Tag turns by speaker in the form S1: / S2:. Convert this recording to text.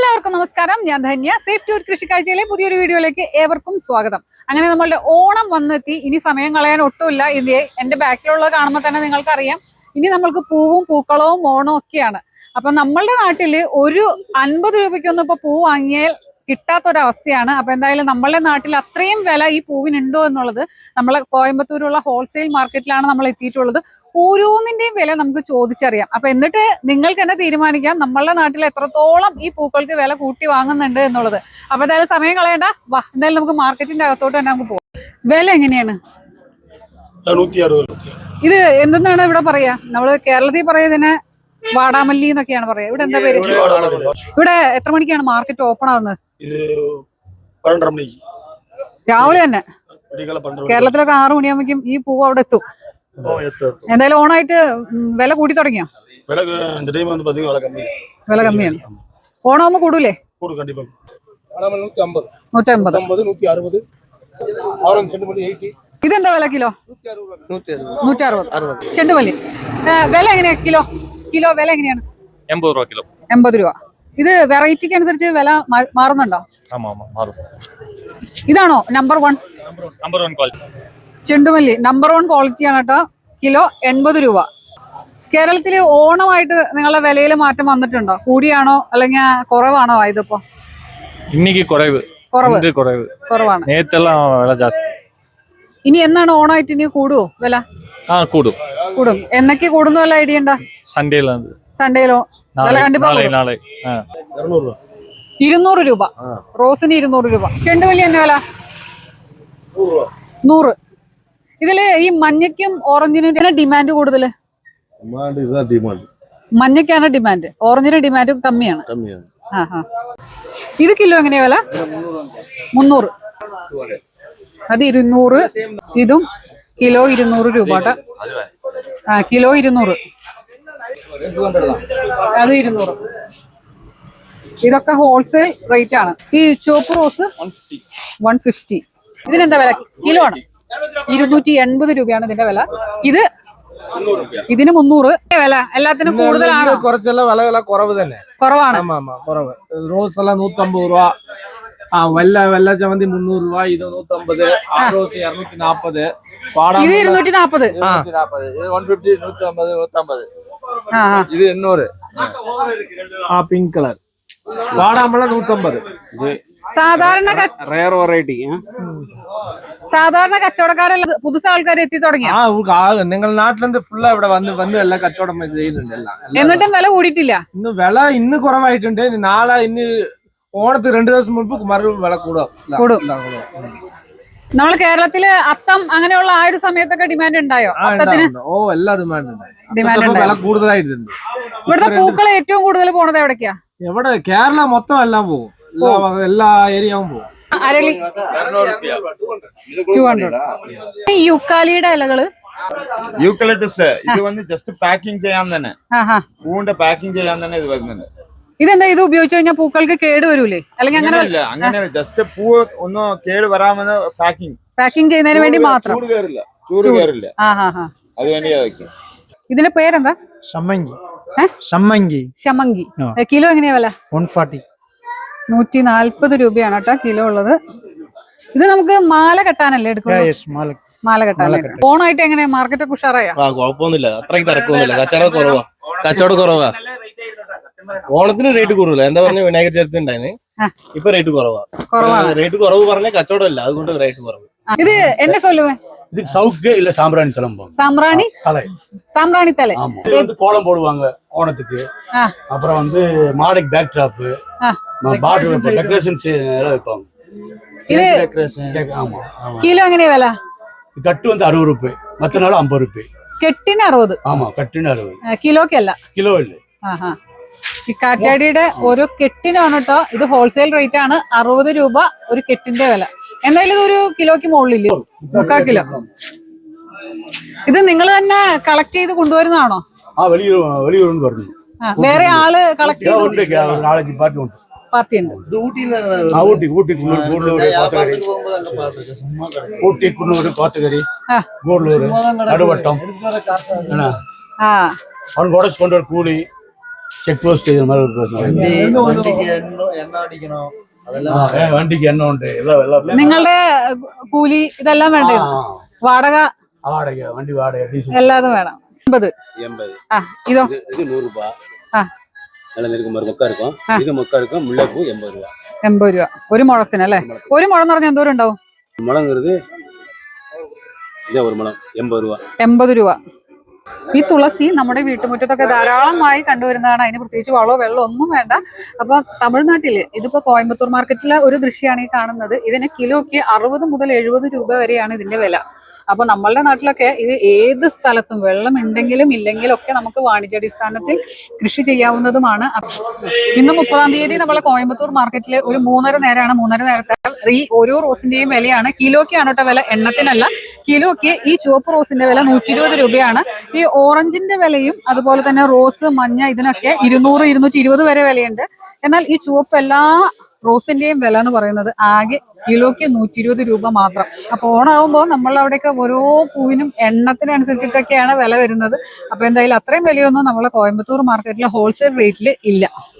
S1: എല്ലാവർക്കും നമസ്കാരം. ഞാൻ ധന്യ. സേഫ് ടൂർ കൃഷിക്കാഴ്ചയിലെ പുതിയൊരു വീഡിയോയിലേക്ക് ഏവർക്കും സ്വാഗതം. അങ്ങനെ നമ്മളുടെ ഓണം വന്നെത്തി. ഇനി സമയം കളയാൻ ഒട്ടുമില്ല. ഇത് എന്റെ ബാക്കിലുള്ളത് കാണുമ്പോൾ തന്നെ നിങ്ങൾക്കറിയാം, ഇനി നമ്മൾക്ക് പൂവും പൂക്കളവും ഓണവും ഒക്കെയാണ്. അപ്പൊ നമ്മളുടെ നാട്ടില് ഒരു 50 രൂപയ്ക്കൊന്നും ഇപ്പൊ പൂ വാങ്ങിയാൽ കിട്ടാത്തൊരവസ്ഥയാണ്. അപ്പൊ എന്തായാലും നമ്മളുടെ നാട്ടിൽ അത്രയും വില ഈ പൂവിനുണ്ടോ എന്നുള്ളത് നമ്മളെ കോയമ്പത്തൂരുള്ള ഹോൾസെയിൽ മാർക്കറ്റിലാണ് നമ്മൾ എത്തിയിട്ടുള്ളത്. ഓരോന്നിന്റെയും വില നമുക്ക് ചോദിച്ചറിയാം. അപ്പൊ എന്നിട്ട് നിങ്ങൾക്ക് തന്നെ തീരുമാനിക്കാം നമ്മളുടെ നാട്ടിൽ എത്രത്തോളം ഈ പൂക്കൾക്ക് വില കൂട്ടി വാങ്ങുന്നുണ്ട് എന്നുള്ളത്. അപ്പൊ എന്തായാലും സമയം കളയണ്ട, വാ എന്തായാലും നമുക്ക് മാർക്കറ്റിന്റെ അകത്തോട്ട് തന്നെ നമുക്ക് പോകാം. വില എങ്ങനെയാണ്? ഇത് എന്തെന്നാണ് ഇവിടെ പറയാ? നമ്മള് കേരളത്തിൽ പറയുന്നതിന് വാടാമല്ലി എന്നൊക്കെയാണ് പറയാ. ഇവിടെ എന്താ പേര്? ഇവിടെ എത്ര മണിക്കാണ് മാർക്കറ്റ് ഓപ്പൺ ആവുന്നത്? രാവിലെ തന്നെ. കേരളത്തിലൊക്കെ 6 മണിയാകുമ്പോഴേക്കും ഈ പൂവ് അവിടെ എത്തും. എന്തായാലും ഓണായിട്ട് വില കൂട്ടി തുടങ്ങിയോ? വില കമ്മിയാണ്. ഓണാകുമ്പോ കൂടൂലേ? 150. ഇതെന്താ വില കിലോ? 160. ചെണ്ടുമല്ലി വില എങ്ങനെയാ കിലോ? വില എങ്ങനെയാണ്?
S2: 80 രൂപ കിലോ.
S1: 80 രൂപ. ഇത് വെറൈറ്റിക്ക് അനുസരിച്ച് വില മാറുന്നുണ്ടോ? ഇതാണോ നമ്പർ 1
S2: ക്വാളിറ്റി?
S1: ചെണ്ടുമല്ലി നമ്പർ 1 ക്വാളിറ്റിയാണ് കേട്ടോ. കിലോ 80 രൂപ. കേരളത്തില് ഓണമായിട്ട് നിങ്ങളുടെ വിലയിൽ മാറ്റം വന്നിട്ടുണ്ടോ? കൂടിയാണോ അല്ലെങ്കിൽ കുറവാണോ ഇതിപ്പോ?
S2: ഇന്നിക്ക് കുറവാണ്. നേരത്തെല്ലാം വില ജാസ്തി.
S1: ഇനി എന്നാണ് ഓണമായിട്ട് ഇനി കൂടുവോ വില? കൂടും. എന്നൊക്കെ കൂടുന്ന വല്ല ഐഡിയ ഉണ്ടോ? സൺഡേയിലോ വില കണ്ടിപ്പോ 200 രൂപ. റോസിന് 200 രൂപ. ചെണ്ടുമല്ലി തന്നെ വില 100. ഇതില് ഈ മഞ്ഞയ്ക്കും ഓറഞ്ചിനും ഡിമാൻഡ് കൂടുതല്? മഞ്ഞയ്ക്കാണ് ഡിമാൻഡ്, ഓറഞ്ചിന് ഡിമാൻഡ് കമ്മിയാണ്. ഇത് കിലോ എങ്ങനെയാ വില? 300. അത് 200. ഇതും കിലോ 200 രൂപ. കിലോ 200. അത് 200. ഇതൊക്കെ ഹോൾസെയിൽ റേറ്റ് ആണ്. ഈ ചുവപ്പ് റോസ് 150. ഇതിനെന്താ വില? കിലോ ആണ് 280 രൂപയാണ് ഇതിന്റെ വില. ഇതിന് 300 വില. എല്ലാത്തിനും കൂടുതലാണ്.
S3: കുറച്ചെല്ലാം വില കുറവ് തന്നെ.
S1: കുറവാണ്.
S3: റോസ് എല്ലാം 150 രൂപ. വെള്ള ചമന്തി 300 രൂപ. ഇത് 150. റോസ് 240.
S1: ഇത് 240.
S3: ഇത് 150. 150. ഇത് 800. പിങ്ക് കളർ വാടാമ്പഴം 150.
S1: സാധാരണ കച്ചവടക്കാരെല്ലാം പുതുസ ആൾക്കാർ എത്തി തുടങ്ങി.
S3: നിങ്ങൾ നാട്ടിലെന്ത് ഫുള്ളാ ഇവിടെ വന്ന് എല്ലാം കച്ചവടം ചെയ്യുന്നുണ്ട്.
S1: എന്നിട്ടും വില കൂടിയിട്ടില്ല.
S3: ഇന്ന് കുറവായിട്ടുണ്ട്. നാളെ ഇന്ന് ഓണത്തിന് 2 ദിവസം മുമ്പ് വില കൂടും.
S1: നമ്മള് കേരളത്തില് അത്തം അങ്ങനെയുള്ള ആ ഒരു സമയത്തൊക്കെ ഡിമാൻഡ് ഉണ്ടായോ?
S3: എല്ലാ ഡിമാൻഡ് വില കൂടുതലായിട്ടുണ്ട്.
S1: ഇവിടുത്തെ പൂക്കൾ ഏറ്റവും കൂടുതൽ പോണത് എവിടേക്കാ?
S3: എവിടെ? കേരള മൊത്തം എല്ലാം പോകും. എല്ലാ ഏരിയയും പോകും.
S1: അരളി 200. യുക്കാലിയുടെ ഇലകള്
S4: യൂക്കലിപ്റ്റസ് ഇത് വന്ന് ജസ്റ്റ് പാക്കിംഗ് ചെയ്യാൻ തന്നെ, പൂവിന്റെ പാക്കിംഗ് ചെയ്യാൻ തന്നെ ഇത് വരുന്നുണ്ട്.
S1: ഇതെന്താ? ഇത് ഉപയോഗിച്ച് കഴിഞ്ഞാൽ പൂക്കൾക്ക് കേട് വരൂലേ? അല്ലെങ്കിൽ
S4: അങ്ങനെ ജസ്റ്റ് പൂ ഒന്ന് കേട് വരാമെന്ന് പാക്കിംഗ്
S1: ചെയ്യുന്നതിന് വേണ്ടി മാത്രം.
S4: ചൂട് കയറില്ല. അത് വേണ്ടിയാ വെക്കും.
S1: ഇതിന്റെ പേരെന്താ?
S3: ഷമ്മങ്കി.
S1: കിലോ എങ്ങനെയാ വില?
S3: 140.
S1: 140 രൂപയാണ് കേട്ടോ കിലോ ഉള്ളത്. ഇത് നമുക്ക് മാല കെട്ടാനല്ലേ എടുക്കുന്നത്? മാല കെട്ടാനല്ലേ. ഓണായിട്ട് എങ്ങനെ മാർക്കറ്റൊക്കെ ഉഷാറായോ?
S5: കുഴപ്പമൊന്നുമില്ല. അത്രയ്ക്ക് തിരക്കൊന്നുമില്ല. കച്ചവടം കുറവാ. ഓണത്തിന് റേറ്റ് കുറവില്ല. എന്താ പറഞ്ഞ വിനായക ചതുർത്ഥി ഉണ്ടായിരുന്നു. ഇപ്പൊ റേറ്റ് കുറവാ. റേറ്റ് കുറവ് പറഞ്ഞ കച്ചവടം ഇല്ല, അതുകൊണ്ട് റേറ്റ് കുറവ്.
S1: ഇത് എന്നെ சொல்லுவேன்.
S6: இது சவுக்கு இல்ல சாம்பிராணி தலை.
S1: சாம்பிராணி தலை
S6: வந்து கோலம் போடுவாங்க ஓணத்துக்கு. அப்புறம் வந்து மாலைக்கு பேக் டாப், பாட்டில் டெக்கரேஷன் வைப்பாங்க.
S1: കിലോ എങ്ങനെയാ വില?
S6: கட்டு வந்து 60 ரூபாய், மத்த நாள் 50 ரூபாய்.
S1: കെട്ടിന് 60.
S6: ஆமா, கட்டுன்னு 60.
S1: കിലോക്കല്ല.
S6: കിലോ ഇല്ല.
S1: ഈ കാറ്റാടിയുടെ ഓരോ കെട്ടിനാണ് കേട്ടോ. ഇത് ഹോൾസെയിൽ റേറ്റ് ആണ്. 60 രൂപ ഒരു കെട്ടിന്റെ വില. എന്തായാലും ഇതൊരു കിലോക്ക് മുകളിലില്ലേ? 3/4 കിലോ. ഇത് നിങ്ങൾ തന്നെ കളക്ട് ചെയ്ത് കൊണ്ടുവരുന്നതാണോ?
S6: வெளியூர்னு வருது.
S1: വേറെ ആള് കളക്ട് ചെയ്ത്
S6: நாளைக்கு
S1: പാർട്ടി ഉണ്ട്.
S6: ஊட்டி, குன்னூர், கோத்தகிரி, கூடலூர், நடுவட்டம். அவனுக்கு உடச்சு கொண்டு வர கூலி ചെക്ക് പോസ്റ്റ് ചെയ്യുന്ന மாதிரி ஒரு பிரச்சனை വണ്ടിക്ക് എണ്ണ ഉണ്ട് എല്ലാം
S1: നിങ്ങളുടെ കൂലി ഇതെല്ലാം വേണ്ടേ? വാടക
S6: വാടക വണ്ടി വാടക ഡീസൽ
S1: എല്ലാതും വേണം. 80. ആ ഇതോ?
S7: இது 100 ரூபாய்.
S1: ആ
S7: நல்ல நெருக்கம் மொக்கா இருக்கும். இது மொக்கா இருக்கும். முல்லைப்பூ 80 ரூபாய்.
S1: 80 രൂപ ഒരു മുഴത്തിന് അല്ലേ? ഒരു മുഴം എന്ന് പറഞ്ഞാൽ എന്തോരം ഉണ്ടാവും?
S7: முழங்கிறது இதே ஒரு முழம் 80 ரூபாய்.
S1: 80 രൂപ. ഈ തുളസി നമ്മുടെ വീട്ടുമുറ്റത്തൊക്കെ ധാരാളമായി കണ്ടുവരുന്നതാണ്. അതിന് പ്രത്യേകിച്ച് വളമോ വെള്ളമോ ഒന്നും വേണ്ട. അപ്പൊ തമിഴ്നാട്ടില് ഇതിപ്പോ കോയമ്പത്തൂർ മാർക്കറ്റിലെ ഒരു ദൃശ്യമാണ് ഈ കാണുന്നത്. ഇതിന് കിലോയ്ക്ക് 60 മുതൽ 70 രൂപ വരെയാണ് ഇതിന്റെ വില. അപ്പൊ നമ്മളുടെ നാട്ടിലൊക്കെ ഇത് ഏത് സ്ഥലത്തും വെള്ളം ഉണ്ടെങ്കിലും ഇല്ലെങ്കിലും ഒക്കെ നമുക്ക് വാണിജ്യാടിസ്ഥാനത്തിൽ കൃഷി ചെയ്യാവുന്നതുമാണ്. ഇന്ന് 30-ാം തീയതി നമ്മളെ കോയമ്പത്തൂർ മാർക്കറ്റിൽ ഒരു 3:30 നേരമാണ്. 3:30 നേരത്തെ ഈ ഓരോ റോസിന്റെയും വിലയാണ്. കിലോയ്ക്കാണ് കേട്ടോ വില, എണ്ണത്തിനല്ല. കിലോയ്ക്ക് ഈ ചുവപ്പ് റോസിന്റെ വില 120 രൂപയാണ്. ഈ ഓറഞ്ചിന്റെ വിലയും അതുപോലെ തന്നെ റോസ്, മഞ്ഞ ഇതിനൊക്കെ 200, 220 വരെ വിലയുണ്ട്. എന്നാൽ ഈ ചുവപ്പ് എല്ലാ റോസിന്റെയും വില എന്ന് പറയുന്നത് ആകെ കിലോയ്ക്ക് 120 രൂപ മാത്രം. അപ്പൊ ഓണാവുമ്പോൾ നമ്മൾ അവിടെയൊക്കെ ഓരോ പൂവിനും എണ്ണത്തിനനുസരിച്ചിട്ടൊക്കെയാണ് വില വരുന്നത്. അപ്പൊ എന്തായാലും അത്രയും വിലയൊന്നും നമ്മളെ കോയമ്പത്തൂർ മാർക്കറ്റിലെ ഹോൾസെയിൽ റേറ്റിൽ ഇല്ല.